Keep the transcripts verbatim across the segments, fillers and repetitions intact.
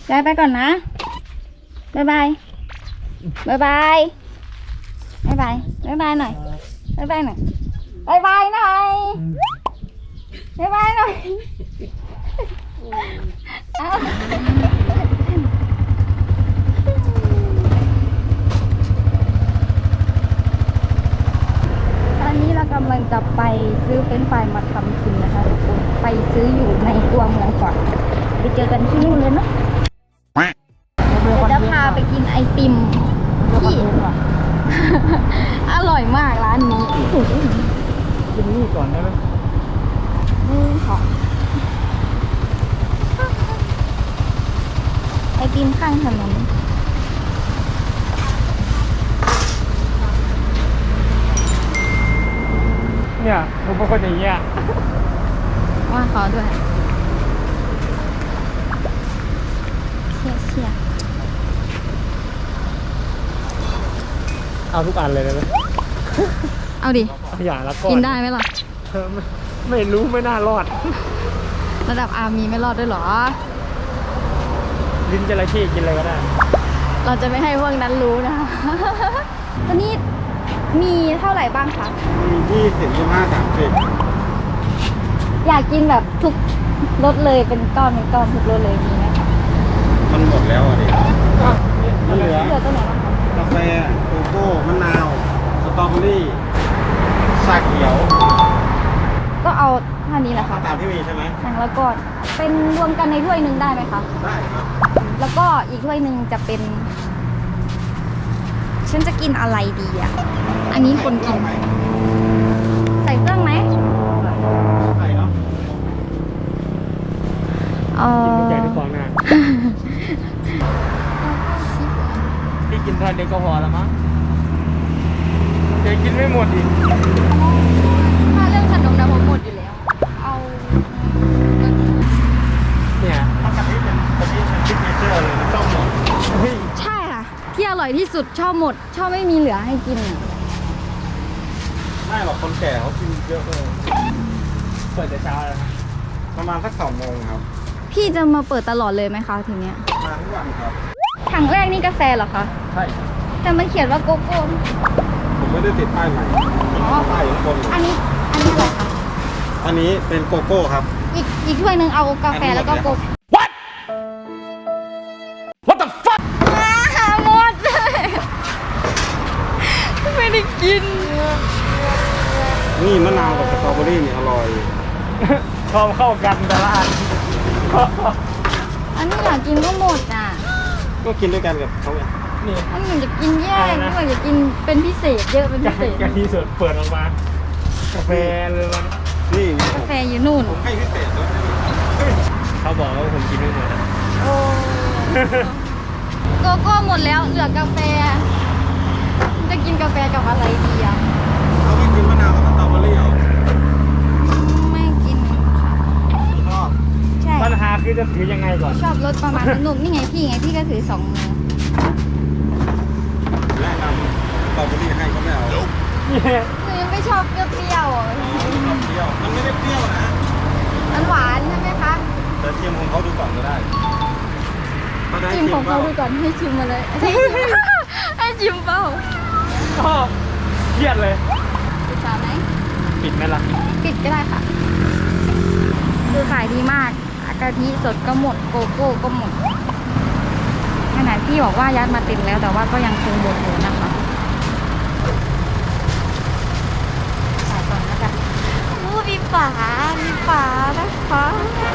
ยายไปก่อนนะบ๊ายบายบ๊ายบายบ๊ายบายบ๊ายบายหน่อยบ๊ายบายหน่อยบ๊ายบายหน่อยบ๊ายบายหน่อยเอาตอนนี้เรากำลังจะไปซื้อเฟรนช์ฟรายมาทำกินนะคะทุกคนไปซื้ออยู่ในตัวเมืองก่อนไปเจอกันที่นู่นเลยเนาะเดี๋ยวจะพาไปกินไอติมที่อร่อยมากร้านนี้กินนี่ก่อนได้ไหมอืมขอไอติมข้างถนนเนี่ยผมเป็นคนอย่างเงี้ยว่าขอด้วยเชี่ยเชี่ยเอาทุกอันเลยได้ไหมเอาดิอย่างละก้อนกินได้ไหมล่ะไม่ไม่รู้ไม่น่ารอดระดับอามีไม่รอดด้วยหรอลิ้นจระเข้กินอะไรก็ได้เราจะไม่ให้พวกนั้นรู้นะคะตอนนี้มีเท่าไหร่บ้างคะมียี่สิบยี่ห้าสามสิบอยากกินแบบทุกรสเลยเป็นก้อนเป็นก้อนทุกรสเลยมีไหมคะมันหมดแล้วอ่ะดิมันเหลือเหลือตัวไหนบ้างคะกาแฟโกโก้มะนาวสตรอเบอรี่ชาเขียวก็เอาเท่านี้แหละค่ะตามที่มีใช่ไหมอย่างละก้อนเป็นรวมกันในถ้วยหนึ่งได้ไหมคะได้ครับแล้วก็อีกถ้วยหนึ่งจะเป็นฉันจะกินอะไรดีอ่ะอันนี้คนกินใส่เครื่องไหมใส่เนาะเออใหญ่ในฟองหน้าที่กินทานเดียวก็พอแล้วมั้งเดี๋ยวกินไม่หมดอีกถ้าเรื่องขนมนะผมหมดอยู่แล้วเอาเนี่ยถ้ากะทิเป็นกะทิเป็นซิกเนเจอร์เลยชอบหมดใช่ค่ะที่อร่อยที่สุดชอบหมดชอบไม่มีเหลือให้กินไม่หรอกคนแก่เขากินเยอะเลยเปิดแต่เช้าเลยครับประมาณสักสองโมงครับพี่จะมาเปิดตลอดเลยไหมคะทีเนี้ยมาทุกวันครับถังแรกนี่กาแฟเหรอคะใช่แต่มันเขียนว่าโกโก้ผมไม่ได้ติดป้ายใหม่ป้ายอยู่บนอันนี้อันนี้อะไรคะอันนี้เป็นโกโก้ครับอีกอีกถ้วยหนึ่งเอากาแฟแล้วก็โกโก้ What What the fuck หมดเลยไม่ได้กินนี่มะนาวกับสตรอเบอรี่นี่อร่อยชอบเข้ากันแต่ละอันอันนี้อยากกินก็หมดอ่ะก็กินด้วยกันกับเขาไงนี่อันนี้อยากกินแยกนี่อยากกินเป็นพิเศษเยอะเป็นพิเศษกะทิสดเปิดออกมากาแฟเลยมันนี่กาแฟอยู่นู่นผมให้พิเศษด้วยเขาบอกว่าผมกินไม่หมดโอ้โกโก้หมดแล้วเหลือกาแฟจะกินกาแฟกับอะไรดีอ่ะเอาไม่กินมะนาวกับสตรอเบอรี่เหรอไม่กินค่ะชอบใช่ปัญหาคือจะถือยังไงก่อนชอบรสประมาณนุ่มนี่ไงพี่ไงพี่ก็ถือสองมือแนะนำสตรอเบอรี่ให้ก็ไม่เอาหนูยังไม่ชอบเปรี้ยวๆอ่ะเปรี้ยวมันไม่ได้เปรี้ยวนะมันหวานใช่ไหมคะแต่ชิมของเขาดูก่อนก็ได้ชิมของเขาดูก่อนให้ชิมมาเลยให้ชิมเปล่าก็เครียดเลยปิดฝาไหมปิดไหมล่ะปิดก็ได้ค่ะคือขายดีมากกะทิสดก็หมดโกโก้ก็หมดขนาดพี่บอกว่ายัดมาเต็มแล้วแต่ว่าก็ยังคงหมดอยู่นะคะขายก่อนแล้วกันอู้มีฝามีฝานะคะ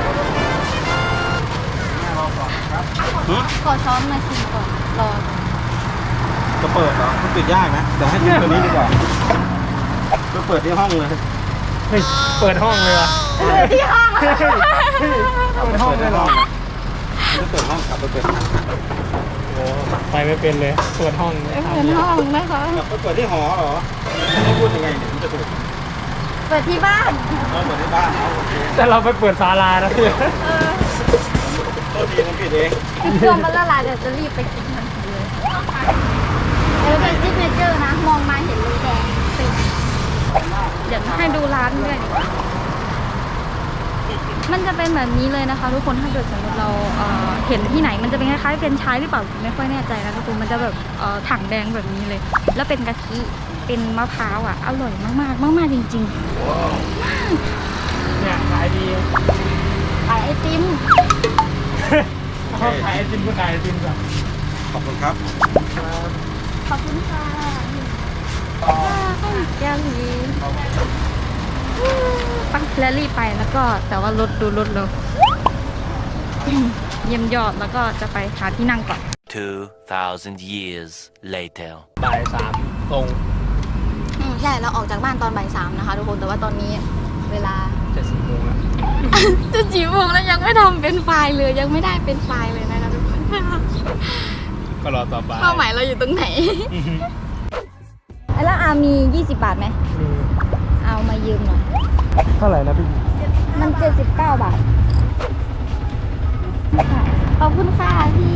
ขอช้อนมาชิมก่อนรอจะเปิดเหรอมันปิดยากนะเดี๋ยวให้ชิมตัวนี้ดีกว่าจะเปิดที่ห้องเลยเฮ้ยเปิดห้องเลยวะเปิดที่ห้องเปิดห้องเลยเหรอจะเปิดห้องกลับไปเปิดห้องโอ้ไปไม่เป็นเลยเปิดห้องเปิดห้องนะคะกลับไปเปิดที่หอเหรอไม่พูดยังไงเนี่ยมันจะถูกเปิดที่บ้านเราเปิดที่บ้านโอเคแต่เราไปเปิดศาลานะพี่ตัวดีมันผิดเองตัวมันละลายเดี๋ยวจะรีบไปกินทันทีเลยเออเป็นซิกเนเจอร์นะมองมาเห็นเลยแดงเป็นเดี๋ยวให้ดูร้านด้วยมันจะเป็นแบบนี้เลยนะคะทุกคนถ้าเกิดสมมติเราเอ่อเห็นที่ไหนมันจะเป็นคล้ายๆเป็นชายหรือเปล่าไม่ค่อยแน่ใจนะทุกคนมันจะแบบเอ่อถังแดงแบบนี้เลย แล้วเป็นกะทิเป็นมะพร้าวอ่ะอร่อยมากๆมากๆจริงๆเนี่ยขายดีขายไอติมเขาขายไอติมก็ขายไอติมก่อนขอบคุณครับขอบคุณค่ะข้าวแกงนี้ปังแล้วรีบไปแล้วก็แต่ว่ารถดูรถเราเยี่ยมยอดแล้วก็จะไปหาที่นั่งก่อน two thousand years later บ่ายสามตรงอืมใช่เราออกจากบ้านตอนบ่ายสามนะคะทุกคนแต่ว่าตอนนี้เวลาจะสี่โมงแล้วจะจีบวงแล้วยังไม่ทำเป็นไฟล์เลยยังไม่ได้เป็นไฟล์เลยนะคะทุกคนก็รอต่อไปเป้าหมายเราอยู่ตรงไหนแล้วอามียี่สิบบาทไหมเอามายืมหน่อยเท่าไหร่นะพี่มันเจ็ดสิบเก้าบาทขอบคุณค่ะพี่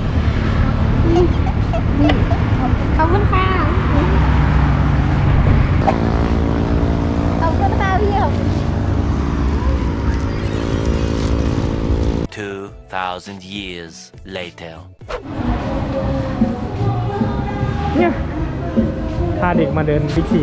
นี่ขอบคุณค่ะขอบคุณค่ะพี่ขอบคุณ two thousand years later เนี่ยพาเด็กมาเดินบิ๊กซี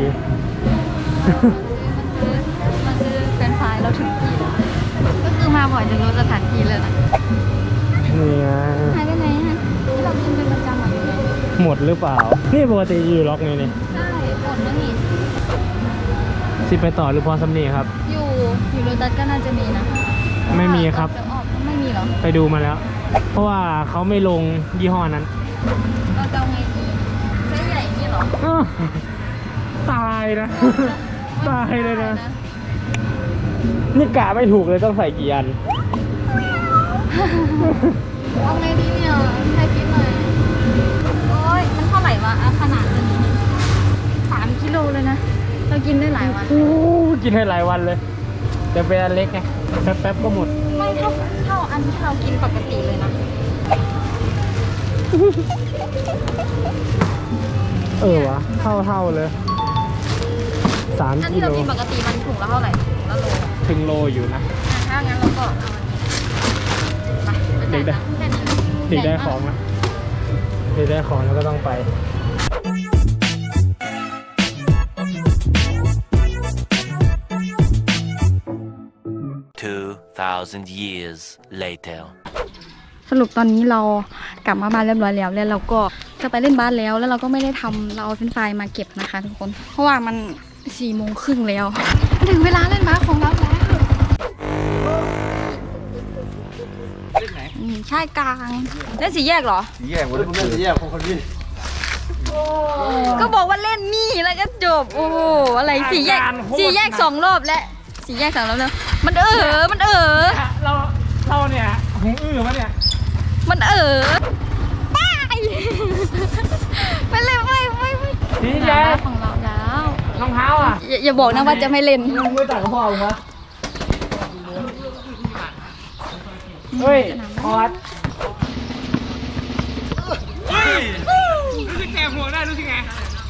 มาซื้อเฟรนช์ฟรายเราถึงที่แล้วก็คือมาบ่อยจนรู้สถานที่เลยนะนี่ไงหายไปไหนฮะที่เรากินเป็นประจำอ่ะหมดหรือเปล่า นี่ปกติอยู่ล็อกไงนี่ใช่หมดแล้วนี่สิไปต่อหรือพอสำนีครับอยู่อยู่โรตัสก็น่าจะมีนะไม่มีครับจะออกไม่มีเหรอไปดูมาแล้ว เพราะว่าเขาไม่ลงยี่ห้อนั้นเราจะเอาไงดีไซส์ใหญ่นี่เหรออ้าวตายนะ ตายเลยนะ นี่กะไม่ถูกเลยต้องใส่กี่อันเอาไงดีเนี่ยให้คิดหน่อยโอ้ยมันเท่าไหร่วะอ่ะขนาดนี้สามกิโลเลยนะเรากินได้หลายวันโอ้กินให้หลายวันเลยแต่เป็นอันเล็กไงแป๊บๆก็หมดไม่เท่าเท่าอันที่เรากินปกติเลยนะเออวะเท่าเท่าๆเลยสามอันกิที่โลเรากินปกติมันถุงละเท่าไหร่ถุงละโลถึงโลอยู่นะอ่ะถ้างั้นเราก็เอาอันนี้ไปเด็กได้แค่นี้นะเด็กได้ของนะเด็กได้ของแล้วก็ต้องไป two thousand years later สรุปตอนนี้เรากลับมาบ้านเรียบร้อยแล้วแล้วเราก็จะไปเล่นบาสแล้วแล้วเราก็ไม่ได้ทำเราเอาเฟรนช์ฟรายมาเก็บนะคะทุกคนเพราะว่ามันสี่โมงครึ่งแล้วถึงเวลาเล่นบาสของเราแล้วเล่นไหนอืมใช่กลางเล่นสีแยกเหรอแยกวันนี้ผมเล่นแยกของคนพี่ก็บอกว่าเล่นนี่แล้วก็จบโอ้โหอะไรสีแยกสีแยกสองรอบและสีแยกสองรอบแล้วมันเออมันเออเราเราเนี่ยหูอื้อมาเนี่ยมันเออไปไปเลยไปไปไปนี่แย่ของเราแล้วรองเท้าอ่ะอย่าอย่าบอกนะว่าจะไม่เล่นมึงไม่ต่างกับพ่อมึงวะเฮ้ยออดรู้สึกแก่หัวได้รู้สึกไง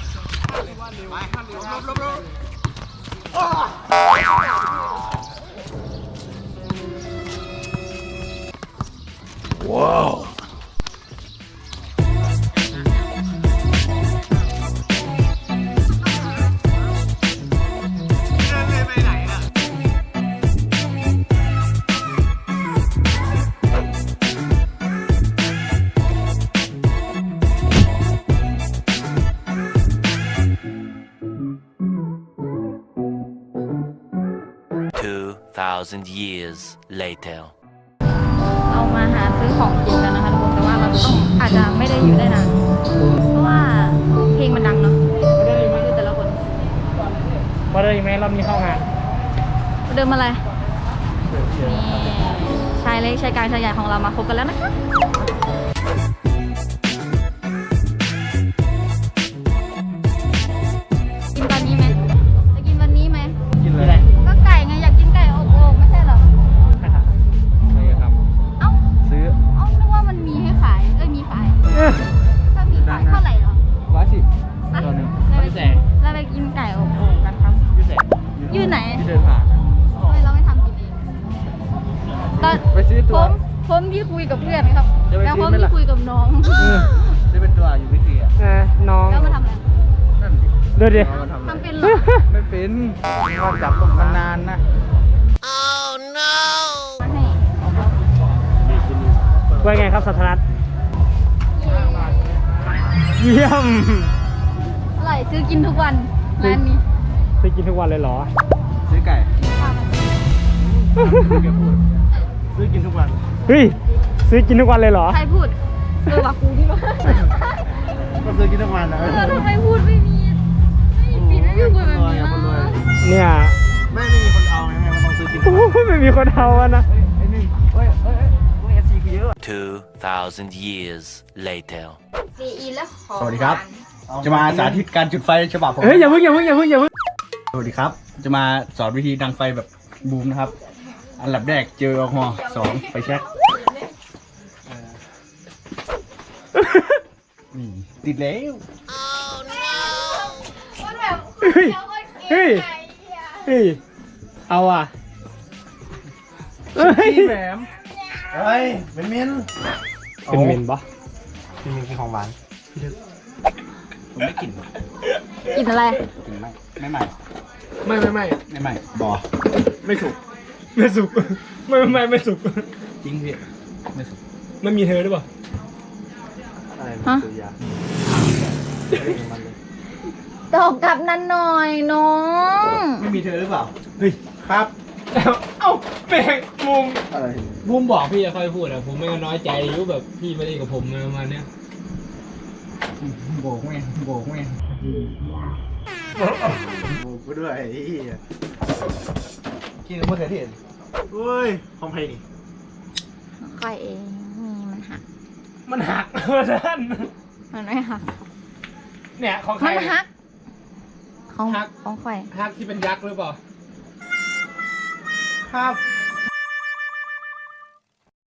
ว้าว two thousand years later เรามาหาซื้อของกินกันนะคะทุกคนแต่ว่าเราต้องอาจจะไม่ได้อยู่ได้นานเพราะว่าเพลงมันดังเนาะมาได้ไหมคือแต่ละคนมาได้ไหมรอบนี้เข้างานเดิมอะไรนี่ชายเล็กชายกลางชายใหญ่ของเรามาพบกันแล้วนะคะกินตอนนี้ไหมจะกินวันนี้ไหมกินอะไรก็ไก่ไงอยากกินไก่อบโอ่งไม่ใช่เหรอไม่ครับเอ้าซื้อเอ้านึกว่ามันมีให้ขายเอ้ยมีขายถ้ามีขายเท่าไหร่เหรอร้อยสิบอ่ะตัวหนึ่งเราไปพี่แสงเราไปกินไก่อบโอ่งกันครับพี่แสงอยู่ไหนที่เดินผ่านทำไมเราไม่ทำกินเองทพี่คุยกับเพื่อนครับจะไปแล้วซื้เขาอไหมพี่ล่ะคุยกับน้องได้เป็นตัวอยู่วิธีอ่ะอ่ะน้องแล้วมาทำอะไรนั่นดิดูดิเอามาทำอะไรทำเป็นเหรอไม่เป็นก็จับมันนานนะมาให้ว่าไงครับสัทธนัทเยี่ยมอร่อยซื้อกินทุกวันร้านนี้ไปกินทุกวันเลยเหรอซื้อไก่พามาแกพูดซื้อกินทุกวันเฮ้ยซื้อกินทุกวันเลยเหรอใครพูดเออว่ากูนี่วะก็ซื้อกินทุกวันนะเออทำไมพูดไม่มีไม่มีไม่มีคนแบบนี้นะเนี่ยไม่ไม่มีคนเอาไงมันต้องซื้อกินทุโอ้กวันโหไม่มีคนเอาอะนะไอ้นี่เฮ้ยเฮ้ยเฮ้ยเอฟซีคือเยอะ Two thousand years later. ซีอีแล้วขอสวัสดีครับ จะมาสาธิตการจุดไฟฉบับผมเฮ้ยอย่าเพิ่งอย่าเพิ่งอย่าเพิ่งอย่าเพิ่งสวัสดีครับ จะมาสอนวิธีดังไฟแบบบูมนะครับ อันดับแรกเจอแอลกอฮอล์สองไฟแช็กนี่ติดแล้วมันแบบเฮ้ยเฮ้ยเฮ้ยเอาอ่ะเฮ้ยพี่แหมมเฮ้ยเป็นมินเป็นเมนปะเป็นมินกินของหวานผมไม่กินกินอะไรกินไม่ไม่ใหม่ไม่ไม่ไม่ไม่ใหม่บอไม่สุกไม่สุกไม่ไม่ไม่สุกจริงพี่ไม่สุกไม่มีเธอหรือเปล่าอะไรฮะซื้อยามันเลยตอบกลับนั้นหน่อยน้องไม่มีเธอหรือเปล่าเฮ้ยครับเอ้าแปลงมุมอะไรมุมบอกพี่จะค่อยพูดอะผมไม่ก็น้อยใจอยู่แบบพี่ไม่ได้กับผมอะไรประมาณเนี้ยโบกแม่งโบกแม่งโบกก็ด้วยไอ้เหี้ยกินกับมะเขือเทศเฮ้ยของใครนี่ค่อยเองนี่มันหักมันหักเพื่อนมันไม่หักเนี่ยของใครมันหัก ของหักของข่อยหักที่เป็นยักษ์หรือเปล่าครับ